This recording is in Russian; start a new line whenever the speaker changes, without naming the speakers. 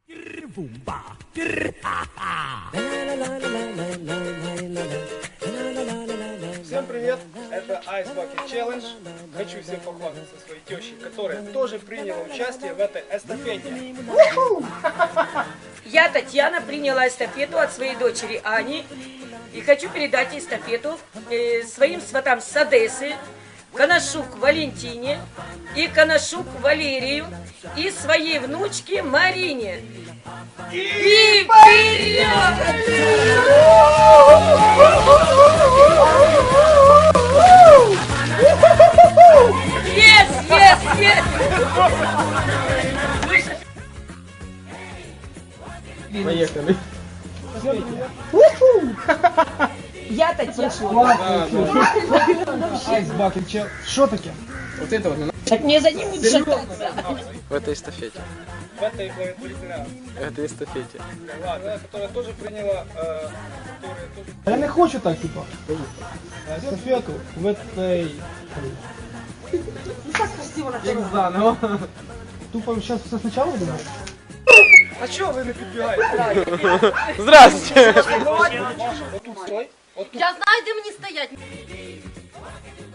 Всем привет, это Ice Bucket Challenge. Хочу всем похвастаться своей тещей, которая тоже приняла участие в этой эстафете.
Я, Татьяна, приняла эстафету от своей дочери Ани и хочу передать эстафету своим сватам с Одессы, Коношук Валентине и Коношук Валерию и своей внучке Марине. И вперед! Yes, yes, yes!
Поехали.
Я Татьяна.
Ice Bucket Challenge. Что таке?
Вот это вот
Так мне за ним будет шататься.
в этой эстафете.
В этой благотворительной
В этой эстафете.
ладно, которая тоже приняла,
Я не хочу так, типа. Эстафету в этой...
Як заново.
Тупо сейчас все сначала думаешь?
А чого ви не підбігаєте?
Здравствуйте!
Отут стой. Отут.
Я знаю, де мені стоять.